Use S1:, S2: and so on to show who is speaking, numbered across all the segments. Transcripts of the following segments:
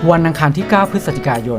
S1: วันอังคารที่ 9 พฤศจิกายน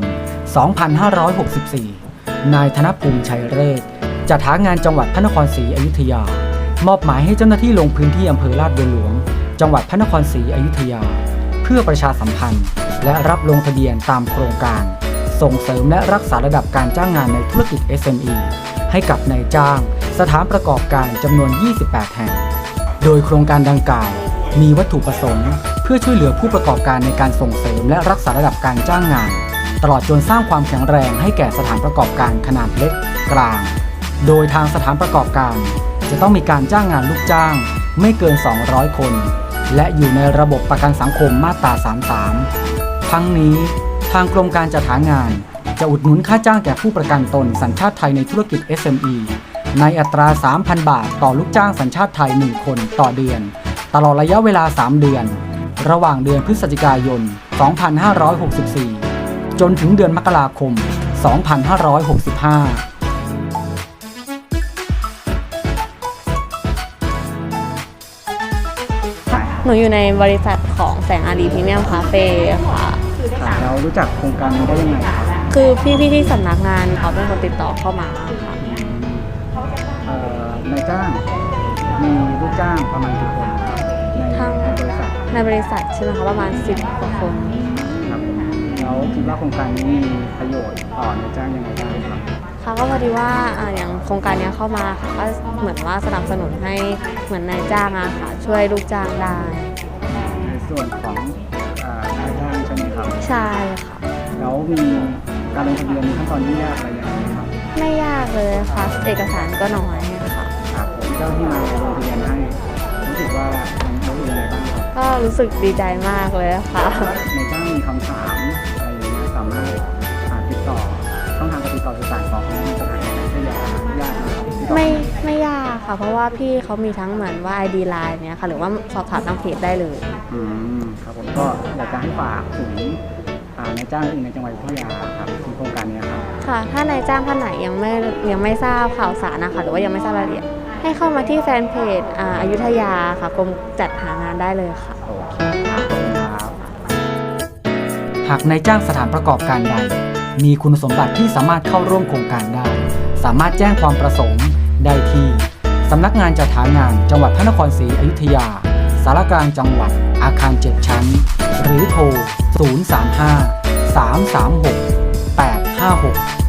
S1: 2564 นายธนภูมิชัยเรศจัดหางานจังหวัดพระนครศรีอยุธยามอบหมายให้เจ้าหน้าที่ลงพื้นที่อำเภอลาดบัวหลวงจังหวัดพระนครศรีอยุธยาเพื่อประชาสัมพันธ์และรับลงทะเบียนตามโครงการส่งเสริมและรักษาระดับการจ้างงานในธุรกิจ SME ให้กับนายจ้างสถานประกอบการจำนวน 28 แห่งโดยโครงการดังกล่าวมีวัตถุประสงค์เพื่อช่วยเหลือผู้ประกอบการในการส่งเสริมและรักษาระดับการจ้างงานตลอดจนสร้างความแข็งแรงให้แก่สถานประกอบการขนาดเล็กกลางโดยทางสถานประกอบการจะต้องมีการจ้างงานลูกจ้างไม่เกิน 200 คนและอยู่ในระบบประกันสังคมมาตรา 33 ทั้งนี้ทางกรมการจัดหางานจะอุดหนุนค่าจ้างแก่ผู้ประกันตนสัญชาติไทยในธุรกิจ SME ในอัตรา 3,000 บาทต่อลูกจ้างสัญชาติไทย 1 คนต่อเดือนตลอดระยะเวลา 3 เดือนระหว่างเดือนพฤศจิกายน 2564 จนถึงเดือนมกราคม 2565
S2: หนูอยู่ในบริษัทของแสงอารีพรีเมียมคาเฟ่ค่ะ
S1: เรารู้จักโครงการนี้ได้ยังไงครับ
S2: คือพี่ๆที่สำนักงานเขาเป็นคนติดต่อเข้ามาค่ะ
S1: นายจ้างมีลูกจ้างประมาณกี่คนในบริษัท
S2: ในบริษัทใช่ไหมคะประมาณ10 กว่าคน
S1: ครับแล้วคิดว่าโครงการนี้มีประโยชน์ต่อนายจ้างยังไงบ้างครับ
S2: ค่ะก็พอดีว่าอย่างโครงการนี้เข้ามาค่ะก็เหมือนว่าสนับสนุนให้เหมือนนายจ้างอะค่ะช่วยลูกจ้างได้
S1: ในส่วนของนายจ้างใช่ไหมครับ
S2: ใช่ค่ะ
S1: แล้วมีการลงทะเบียนมีขั้นตอนยุ่งยากอะไรยังไงไหมครับ
S2: ไม่ยากเลยค่ะเอกสารก็น้อยค่ะ
S1: ครับผมเจ้าที่มาลงทะเบียนให้รู้สึกว่ามันรู้สึกยังไงบ้างครับ
S2: ก็รู้สึกดีใจมากเลยค่ะ
S1: นายจ้างมีคำถามอะไรอย่างเงี้ยสามารถติดต่อช่องทางการติดต่อสื่อสารของสถานการณ์ที่ยากนะครับ
S2: ไม่ยากค่ะเพราะว่าพี่เขามีทั้งเหมือนว่า ID Line เนี่ยค่ะหรือว่าสอบถามทางเพจได้เลย
S1: ครับผมก็อยากจะให้ฝากถึงนายจ้างอื่นในจังหวัดอยุธยาครับที่โครงการนี้ครับ
S2: ค่ะถ้านายจ้างท่านไหนยังไม่ทราบข่าวสารนะคะหรือว่ายังไม่ทราบรายละเอียดให้เข้ามาที่แฟนเพจอยุธยาค่ะกรมจัดหางานได้เลยค่ะ
S1: โอเคครับขอบคุณครับหากนายจ้างสถานประกอบการใดมีคุณสมบัติที่สามารถเข้าร่วมโครงการได้สามารถแจ้งความประสงค์ได้ที่สำนักงานจัดหางานจังหวัดพระนครศรีอยุธยาสารกลางจังหวัดอาคาร 7 ชั้นหรือโทร 035 336 856